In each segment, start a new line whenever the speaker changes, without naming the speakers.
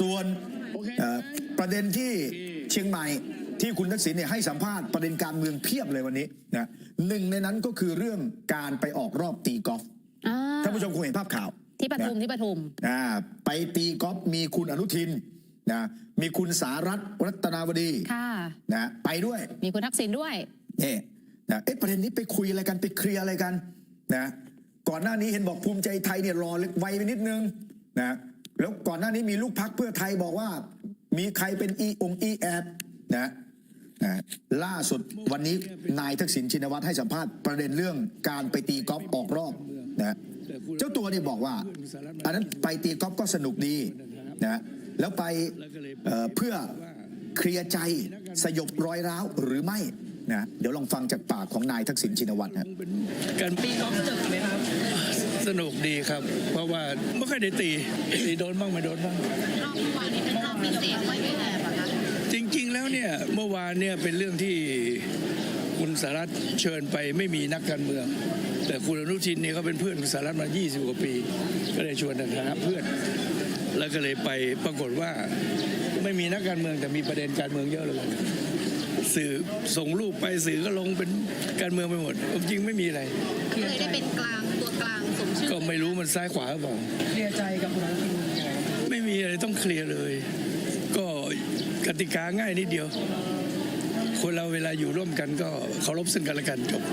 ส่วนประเด็นที่เชียงใหม่ที่คุณทักษิณเนี่ยให้สัมภาษณ์ประเด็นการเมืองเพียบเลยวันนี้นะหนึ่งในนั้นก็คือเรื่องการไปออกรอบตีกอล์ฟท่านผู้ชมคงเห็นภาพข่าว
ที่ปทุม
ไปตีกอล์ฟมีคุณอนุทินนะมีคุณสารัตน์รัตนาวดีนะไปด้วย
มีคุณทักษิณด้วย
นี่นะประเด็นนี้ไปคุยอะไรกันไปเคลียร์อะไรกันนะก่อนหน้านี้เห็นบอกภูมิใจไทยเนี่ยรอไวไปนิดนึงนะแล้วก่อนหน้านี้มีลูกพรรคเพื่อไทยบอกว่ามีใครเป็นอีแอบนะล่าสุดวันนี้นายทักษิณชินวัตรให้สัมภาษณ์ประเด็นเรื่องการไปตีกอล์ฟออกรอบนะเจ้าตัวเนี่ยบอกว่าอันนั้นไปตีกอล์ฟก็สนุกดีนะแล้วไปเพื่อเคลียร์ใจสยบรอยร้าวหรือไม่นะเดี๋ยวลองฟังจากปากของนายทักษิณชินวัตรนะ
การตีกอล์ฟสนุกไหมครับสนุกดีครับเพราะว่าไม่ค่อยได้ตีโดนบ้างไม่โดนบ้าง
รอบเมื่อวานนี้เป็นรอบพิเศษไม่ได้แอบคะ
จริงๆแล้วเนี่ยเมื่อวานเนี่ยเป็นเรื่องที่คุณสารัตน์เชิญไปไม่มีนักการเมืองแต่คุณอนุทินเนี่ยเขาเป็นเพื่อนคุณสารัตน์มา20 กว่าปีก็เลยชวนในฐานะเพื่อนแล้วก็เลยไปปรากฏว่าไม่มีนักการเมืองแต่มีประเด็นการเมืองเยอะเลยสื่อส่งรูปไปสื่อก็ลงเป็นการเมืองไปหมดจริงไม่มีอะไร
เคยได้เป็นกลางตัวกลางสมชื่อ
ก็ไม่รู้มันซ้ายขวาหรือเปล่า
เคลียร์ใจกับคุณอนุทิน
ไม่มีอะไรต้องเคลียร์เลยก็กติกาง่ายนิดเดียวคนเราเวลาอยู่ร่วมกันก็เคารพซึ่งกันและกันจบ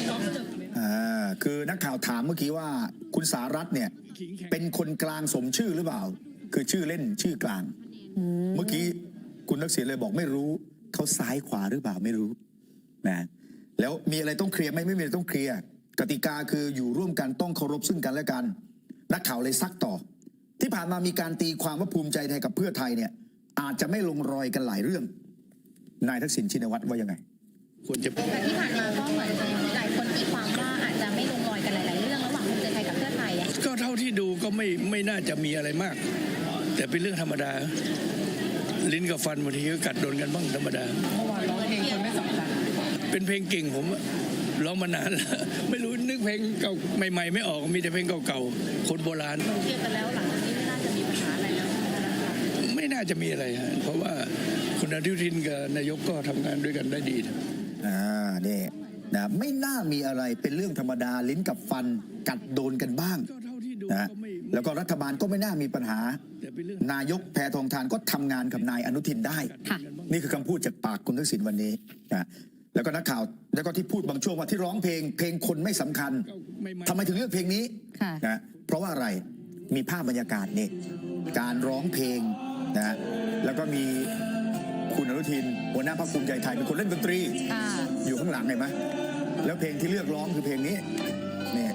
คือนักข่าวถามเมื่อกี้ว่าคุณสารัตน์เนี่ยเป็นคนกลางสมชื่อหรือเปล่าคือชื่อเล่นชื่อกลางเมื่อกี้คุณทักษิณเลยบอกไม่รู้เขาซ้ายขวาหรือเปล่าไม่รู้นะแล้วมีอะไรต้องเคลียร์ไม่มีอะไรต้องเคลียร์กติกาคืออยู่ร่วมกันต้องเคารพซึ่งกันและกันนักข่าวเลยซักต่อที่ผ่านมามีการตีความว่าภูมิใจไทยกับเพื่อไทยเนี่ยอาจจะไม่ลงรอยกันหลายเรื่องนายทักษิณชินวัตรว่ายังไง
ควรจะ
แต่ที่ผ่านมาก็เหมือนหลายคนตีความว่าอาจจะไม่ลงรอยกันหลายๆเรื่องระหว่างภูมิใจไทยกับเพื่อไทย
ก็เท่าที่ดูก็ไม่น่าจะมีอะไรมากแต่เป็นเรื่องธรรมดาลิ้นกับฟันบางทีก็กัดโดนกันบ้างธรรมดา
เมื่อวานร้องเพลงคนไม่สำคัญ
เป็นเพลงเก่งผมร้องมานานแล้วไม่รู้นึกเพลงเก่าใหม่ๆไม่ออกมีแต่เพลงเก่าๆคนโบราณ
เคลียร์กันแล้วหลังจากนี้ไม่น่าจะมีปัญหาอะไรแล้ว
ไม่น่าจะมีอะไรฮะเพราะว่าคุณอนุทินกับนายกก็ทำงานด้วยกันได้ดี
นี่นะไม่น่ามีอะไรเป็นเรื่องธรรมดาลิ้นกับฟันกัดโดนกันบ้างนะแล้วก็รัฐบาลก็ไม่น่ามีปัญหานายกแพทองธารก็ทำงานกับนายอนุทินได้นี่คือคำพูดจากปากคุณทักษิณวันนี้นะแล้วก็นักข่าวแล้วก็ที่พูดบางช่วงว่าที่ร้องเพลงคนไม่สำคัญทำไมถึงเลือกเพลงนี้นะเพราะว่าอะไรมีภาพบรรยากาศนี่การร้องเพลงนะแล้วก็มีคุณอนุทินหัวหน้าพรรคภูมิใจไทยเป็นคนเล่นดนตรีอยู่ข้างหลังเห็นไหมแล้วเพลงที่เลือกร้องคือเพลงนี้เนี่ย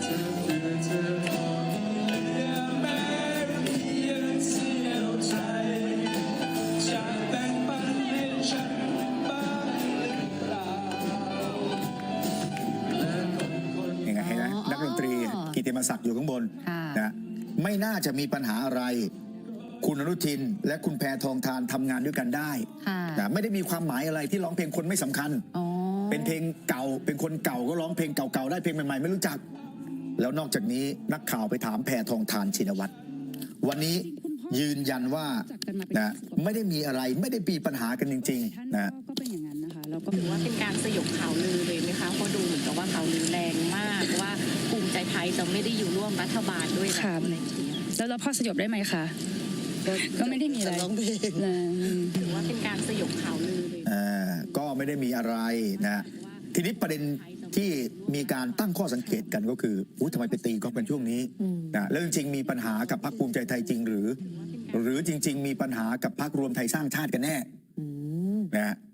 นักดนตรีกิตติมศักดิ์อยู่ข้างบนนะไม่น่าจะมีปัญหาอะไรคุณอนุทินและคุณแพทองธารทำงานด้วยกันได้นะไม่ได้มีความหมายอะไรที่ร้องเพลงคนไม่สำคัญเป็นเพลงเก่าเป็นคนเก่าก็ร้องเพลงเก่าๆได้เพลงใหม่ๆไม่รู้จักแล้วนอกจากนี้นักข่าวไปถามแพทองธารชินวัตรวันนี้ยืนยันว่านะไม่ได้มีอะไรไม่ได้มีปัญหากันจริงๆนะ
ก็เป็นอย่างนั้นนะคะแล้วก็ถือว่าเป็นการสยบข่าวลือเลยไหมคะเพราะดูเหมือนกับว่าข่าวลือแรงมากว่าภูมิใจไทยจะไม่ได้อยู่ร่วมรัฐบาลด้วย
ค่ะแล้วเราพอสยบได้ไหมคะก็ไม่ได้มีอะไร
ร้องเพลงถือว่าเป็นการสยบข่าวลือเลย
ก็ไม่ได้มีอะไรนะทีนี้ประเด็นที่มีการตั้งข้อสังเกตกันก็คือทำไมไปตีก็เป็นช่วงนี้นะแล้วจริงๆมีปัญหากับพรรคภูมิใจไทยจริงหรือจริงๆมีปัญหากับพรรครวมไทยสร้างชาติกันแน่นะ